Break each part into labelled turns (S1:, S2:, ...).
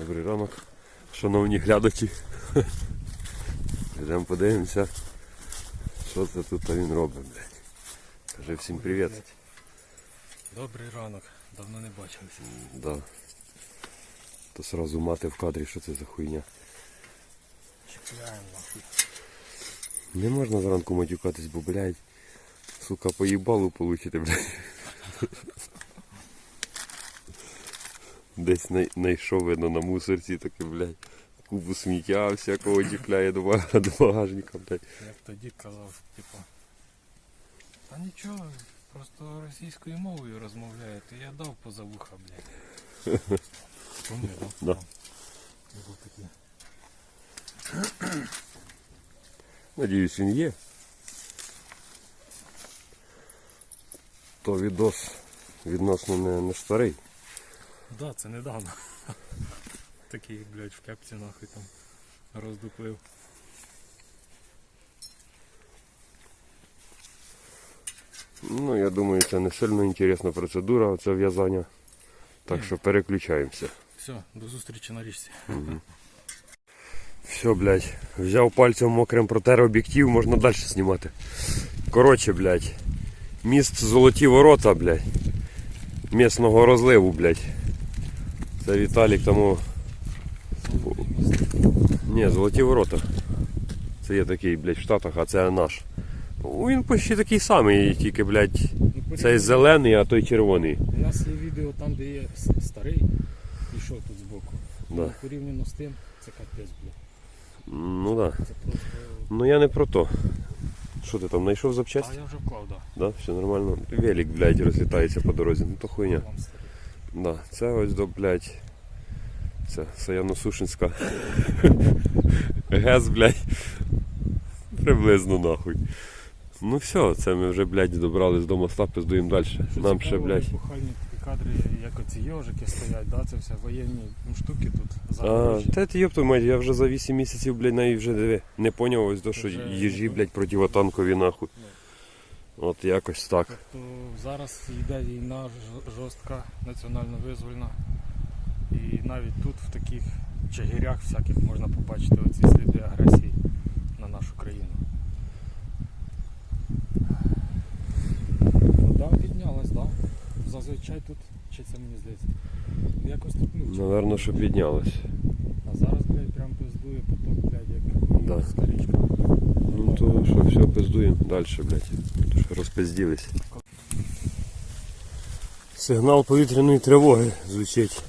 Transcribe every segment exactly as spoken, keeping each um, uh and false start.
S1: Добрий ранок, шановні глядачі. Йдемо подивимося, що це тут він робить, блядь. Кажи всім привіт.
S2: Добрий ранок, давно не бачилися.
S1: Да. То сразу мати в кадрі, що це за хуйня.
S2: Чекаємо нахуй.
S1: Не можна зранку матюкатись, бо, блядь, сука, поїбалу получите, блядь. Десь най- найшов, видно, на мусорці таке, блядь, купу сміття всякого чіпляє до бага- до багажника, блядь.
S2: Як тоді казав, типу, та нічого, просто російською мовою розмовляєте, я дав поза вуха, блядь. Помню, да?
S1: Да.
S2: Був такий.
S1: Надіюсь, він є. То відос відносно не, не старий.
S2: Да, це недавно. Такий, блядь, в кепці нахуй там роздуплив.
S1: Ну, я думаю, це не сильно інтересна процедура, це в'язання. Так що переключаємося.
S2: Все, до зустрічі на річці.
S1: Угу. Все, блядь, взяв пальцем мокрим протер об'єктив, можна далі знімати. Коротше, блядь, міст Золоті Ворота, блядь, місного розливу, блядь. Це Віталік тому... Ні, Золоті Ворота. Це є такий, блядь, в Штатах, а це наш. Він почти такий самий, тільки, блядь, цей зелений, а той червоний.
S2: У нас є відео там, де є старий, пішов тут збоку.
S1: Да.
S2: Порівняно з тим, це капець, блядь.
S1: Ну да.
S2: Це просто...
S1: Ну я не про то. Що ти там, знайшов
S2: А
S1: запчасті?
S2: я вже вклав, так.
S1: Да, все нормально. Велик, блядь, розлітається по дорозі. Ну то хуйня.
S2: Вам старий.
S1: Да, це ось до, блядь, це Саяно-Сушинська. ГЕС, блядь. Приблизно нахуй. Ну все, це ми вже, блядь, добрались до моста, пиздуємо далі.
S2: Що
S1: Нам
S2: цікаво,
S1: ще, блядь.
S2: епохальні такі кадри, як оці йожики стоять, да? Це все воєнні штуки тут
S1: А,
S2: загорожі.
S1: та ти йопту мать, я вже за вісім місяців, блядь, навіть вже диви. Не поняв ось до, що
S2: Вже
S1: їжі,
S2: не
S1: блядь, противотанкові нахуй. От якось так.
S2: Тобто зараз йде війна ж- жорстка, національно визвольна. І навіть тут в таких чагірях всяких можна побачити оці сліди агресії на нашу країну. Вода піднялась, так? Да? Зазвичай тут, чи це мені здається, якось тут мучить.
S1: Наверно, що піднялось.
S2: А зараз, блядь, прям пиздує поток, блядь, як
S1: Да.
S2: морська річка.
S1: Ну то що, все, пиздуємо далі, блядь. То що розпизділись. Сигнал повітряної тривоги звучить.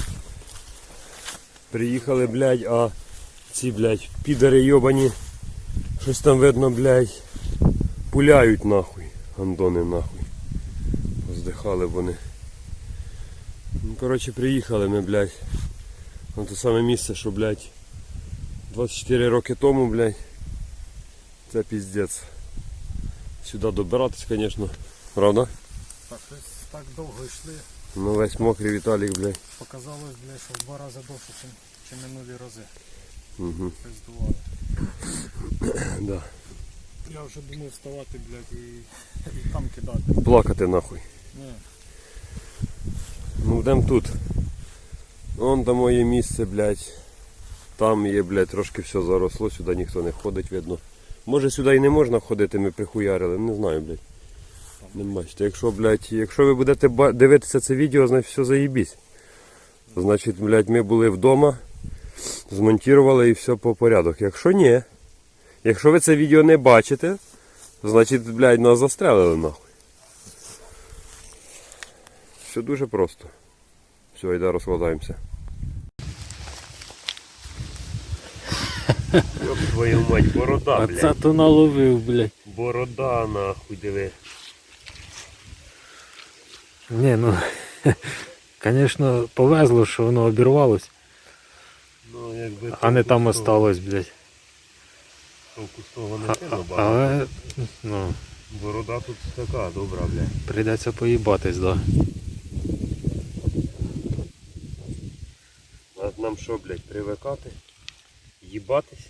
S1: Приїхали, блядь, а ці, блядь, підари йобані, щось там видно, блядь, пуляють нахуй, гандони нахуй. Здихали вони. Ну, коротше, приїхали ми, блядь, на те саме місце, що, блядь, двадцять чотири роки тому, блядь. Це піздець. Сюди добиратись, звісно, правда?
S2: Так, щось так довго йшли.
S1: Ну весь мокрий Віталік, блядь.
S2: Показалось, блядь, що в два рази довше, чим, чим минулі рази.
S1: Угу.
S2: Пиздували.
S1: Да.
S2: Я вже думав вставати, блядь, і, і там кидати.
S1: Плакати нахуй.
S2: Ні.
S1: Ну йдемо тут. Вон там моє місце, блядь. Там є, блядь, трошки все заросло, сюди ніхто не ходить, видно. Може сюди і не можна ходити, ми прихуярили, не знаю, блядь. Не бачите, якщо, блядь, якщо ви будете ба- дивитися це відео, значить все заєбісь. Значить, блядь, ми були вдома, змонтували і все по порядок. Якщо ні, якщо ви це відео не бачите, значить, блядь, нас застрелили нахуй. Все дуже просто. Все, йде, розкладаємося. Йоп твою мать, борода,
S2: А
S1: блядь.
S2: це то наловив, блядь.
S1: Борода, нахуй, диви.
S2: Ні, ну, звісно, повезло, що воно обірвалось,
S1: Ну, якби
S2: а не там
S1: толку з того-
S2: осталось, блядь.
S1: толку з того не
S2: А,
S1: сильно
S2: а,
S1: багато.
S2: але, ну,
S1: Борода тут така, добра, блядь.
S2: прийдеться поїбатись, да.
S1: А нам що, блядь, привикати? Їбатись?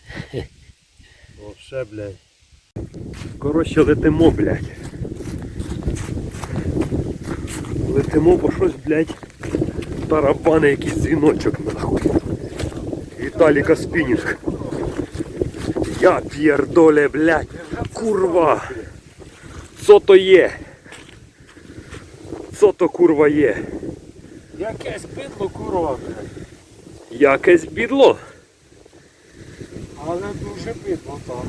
S1: О, ще, блядь. Коротше, летимо, блядь. Летимо, бо щось, блядь, тарабани якийсь дзвіночок, нахуй. Віталіка спінінг. Я п'єрдоле, блядь. Курва. Що то є? Що то курва є?
S2: Якесь бидло, курва, блядь.
S1: Якесь бідло.
S2: Але дуже бидло, так.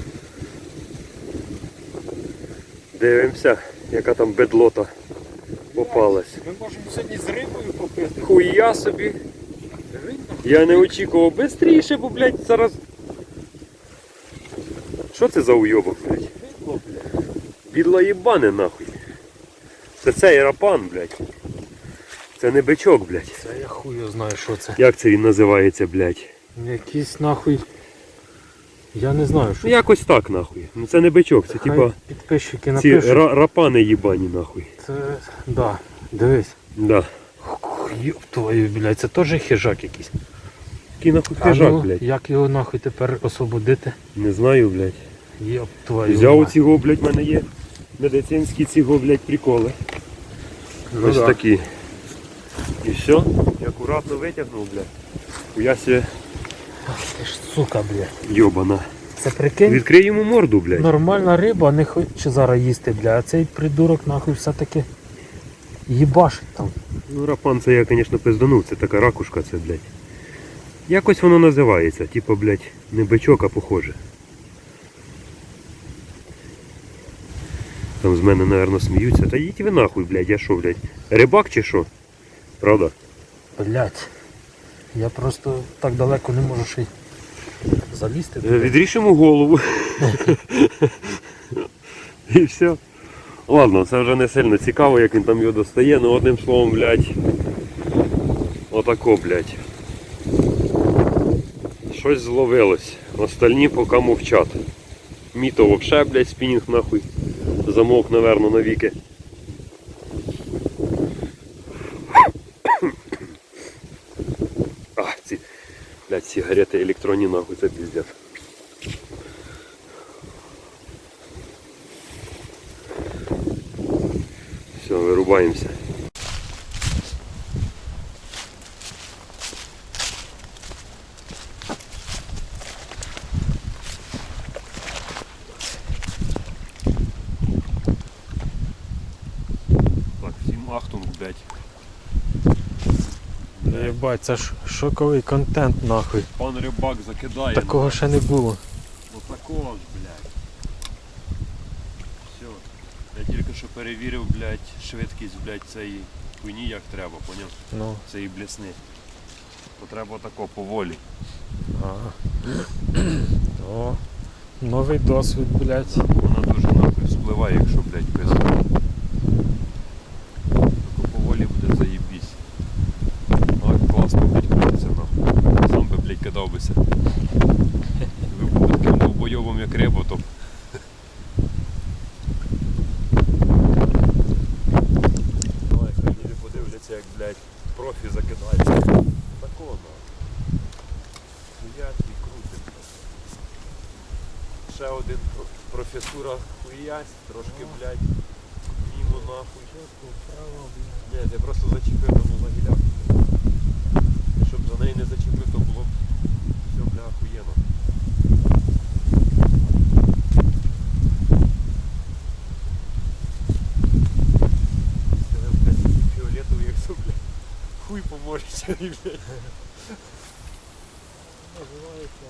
S1: Дивимося, яка там бедлота попалась.
S2: Ми можемо сьогодні з рибою попити.
S1: Хуя собі. Я не очікував бистріше, бо, блядь, зараз... Що це за уйобок, блядь?
S2: Бидло, блядь.
S1: Бідло їбане, нахуй. Це цей рапан, блядь. Це не бичок, блядь.
S2: Це я хую знаю, що це.
S1: Як це він називається, блядь?
S2: Якийсь нахуй. Я не знаю, що
S1: Ну якось так, нахуй. Ну це не бичок, це
S2: Хай
S1: типа
S2: підписчики
S1: ці
S2: напишуть.
S1: ра- рапани їбані, нахуй.
S2: Це, да, дивись.
S1: Да.
S2: Йоп твою, блядь, це теж хижак якийсь.
S1: Який нахуй
S2: А
S1: хижак,
S2: ну,
S1: блядь.
S2: як його нахуй тепер освободити?
S1: Не знаю, блядь.
S2: Йоп твою.
S1: Взяв
S2: мать.
S1: оцього, блядь, в мене є медицинські цього, блядь, приколи.
S2: Ну,
S1: Ось
S2: да.
S1: такі. І все. І акуратно витягнув, блядь. Хуяся
S2: Ти ж сука, блядь.
S1: йобана.
S2: Це прикинь,
S1: Відкрий йому морду, блядь.
S2: нормальна риба не хоче зараз їсти, блядь, а цей придурок нахуй все-таки їбашить там.
S1: Ну, рапан це я, звісно, пизданув, це така ракушка, це, блядь. Якось воно називається, типа, блядь, не бичок, а похоже. Там з мене, напевно, сміються. Та їдь ви нахуй, блядь, я що, блядь, рибак чи що? Правда?
S2: Блядь. Я просто так далеко не можу ще й залізти.
S1: Е,
S2: туди.
S1: Відріж йому голову. І все. Ладно, це вже не сильно цікаво, як він там його достає, ну одним словом, блядь. Отако, блядь. Щось зловилось. Остальні поки мовчать. Міто вообще, блядь, спінінг нахуй. Замовк, наверно, навіки. А, ці, блядь, сигарети електронні нахуй, це піздець. Все, вирубаємося. Так, всім ахтунг, блядь.
S2: Єбать, це ж шоковий контент нахуй.
S1: Пан рибак закидає.
S2: Такого ще не було.
S1: Отакого ж, блядь. Все. Я тільки що перевірив, блядь, швидкість, блядь, цієї хуйні як треба, поняв?
S2: Ну,
S1: Цієї блесни. То треба тако поволі.
S2: ага. О, новий досвід, блядь.
S1: Вона дуже нахуй спливає, якщо, блядь, пизда. Тако поволі буде заєбісь. А, класно, блядь, крутиться нахуй. Сам би, блядь, кидав бися. Ви були таким довбойовим, як риба, то... Давай, хай люди подивляться, як, блядь, профі закидається. Такого, нахуй. Хуять і крутить. Ще один про- професура хуясь, трошки, блядь, мімо нахуй. Ні, ти просто зачепив там за гіляк. Щоб за неї не зачепив, то було б все, бля, охуєнно. Сказав, блядь, фіолетовий, як все, блядь, хуй поможе, блядь.
S2: Називається.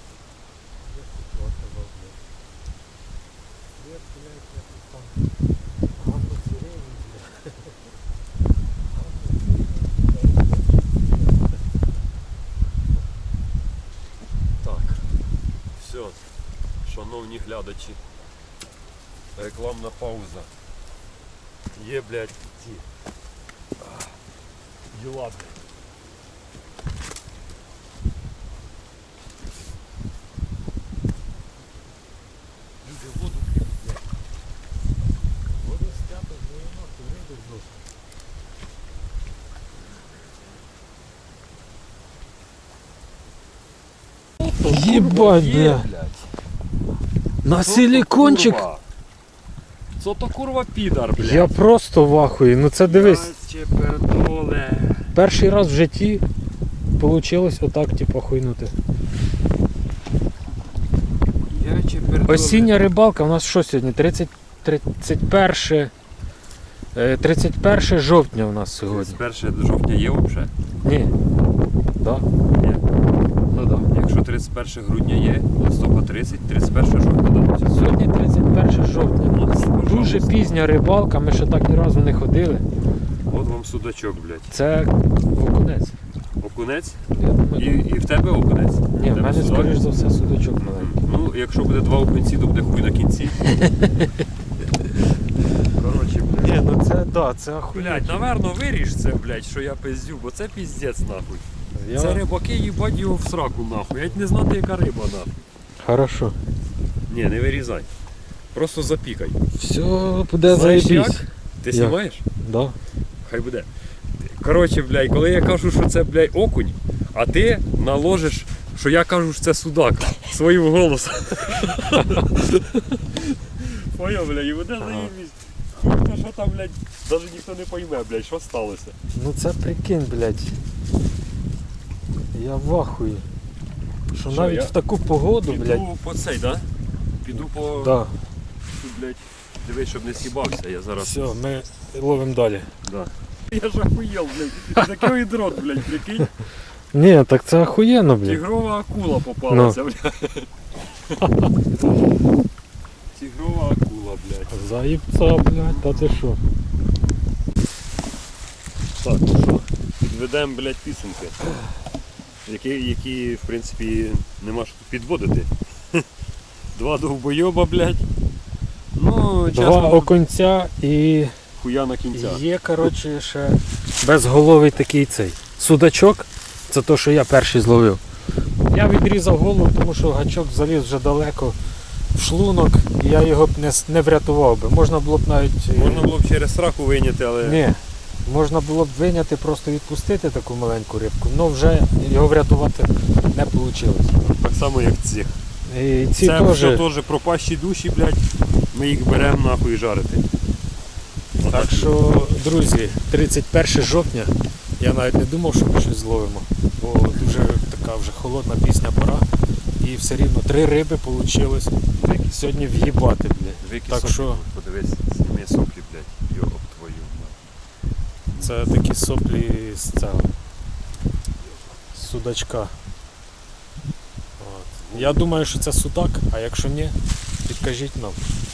S1: Так, все, шановні глядачі, рекламна пауза. Є, блядь, ті а, діла, блядь. Люди воду п'ють, блядь.
S2: Воду стято, ну і нахуй, риби зносить. Єбать, бля. На силікончик.
S1: Це то курва підар, блядь.
S2: Я просто в ахуї. Ну це дивись,
S1: Чепердоле.
S2: перший раз в житті вийшло отак, типу, хуйнути. Осіння рибалка у нас що сьогодні? тридцять, тридцять перше, е, тридцять перше жовтня у нас сьогодні.
S1: перше жовтня є взагалі?
S2: Ні. Да.
S1: Є.
S2: Ну да.
S1: Якщо тридцять перше грудня є, листопад тридцять, тридцять перше жовтня, да?
S2: Сьогодні тридцять перше жовтня. Дуже пізня рибалка, ми ще так ні разу не ходили.
S1: От вам судачок, блядь.
S2: Це окунець.
S1: Окунець?
S2: Я думаю,
S1: І, і в тебе окунець?
S2: ні,
S1: В
S2: в
S1: тебе
S2: мене,
S1: судак?
S2: скоріш за все, судачок маленький.
S1: Ну, якщо буде два окунці, то буде хуй на кінці. Коротше, блядь.
S2: Ні, ну це да, це охуєть.
S1: Блядь, наверно, виріж це, блядь, що я пиздю, бо це піздець, нахуй.
S2: Я...
S1: Це рибаки їбать його в сраку, нахуй. Я не знати, яка риба, нахуй.
S2: Хорошо.
S1: Ні, не вирізай. Просто запікай.
S2: Все буде
S1: Знаєш
S2: заєбісь.
S1: як? Ти
S2: Як?
S1: знімаєш?
S2: Да.
S1: Хай буде. Коротше, блядь, коли я кажу, що це, блядь, окунь, а ти наложиш, що я кажу, що це судак своїм голосом. Поняв, блядь, і буде заєбісь. Хуй, що там, блядь, навіть ніхто не пойме, блядь, що сталося.
S2: Ну це прикинь, блядь. Я в ахуї. Що,
S1: Що,
S2: навіть
S1: я
S2: в таку погоду,
S1: Піду
S2: блядь.
S1: по цей, да? Піду по...
S2: Да.
S1: Тут, блядь, дивись, щоб не сібався, я зараз...
S2: Все, ми ловимо далі.
S1: Да. Я ж охуєл, блядь. Такий дрот, блядь, прикинь.
S2: Ні, так це охуєнно, блядь.
S1: Тигрова акула попалася, блядь. Тигрова акула, блядь.
S2: Заїбця, блядь, та ти що?
S1: Так, ну що, підведемо, блядь, підсумки. Які, які, в принципі, нема що тут підводити. Два довбойоба, блядь. Ну,
S2: Два
S1: чесно,
S2: оконця і
S1: хуя на кінця.
S2: є, коротше, ще безголовий такий цей судачок. Це то, що я перший зловив. Я відрізав голову, тому що гачок заліз вже далеко в шлунок, і я його б не, с- не врятував би. Можна було б навіть... е,
S1: Можна було б через сраку вийняти, але...
S2: Ні. Можна було б виняти, просто відпустити таку маленьку рибку, але вже його врятувати не вийшло.
S1: Так само, як цих.
S2: І ці
S1: Це
S2: теж...
S1: все теж пропащі душі, блядь. Ми їх беремо нахуй жарити.
S2: Так що, друзі, тридцять перше жовтня, я навіть не думав, що ми щось зловимо, бо дуже така вже холодна пісня пора. І все рівно три риби вийшло сьогодні в'їбати, блядь.
S1: Вики
S2: Так
S1: соплі,
S2: що
S1: подивись, зніми соплі, блядь, йоб твою.
S2: це такі соплі з цього з судачка. От. Я думаю, що це судак, а якщо ні, підкажіть нам.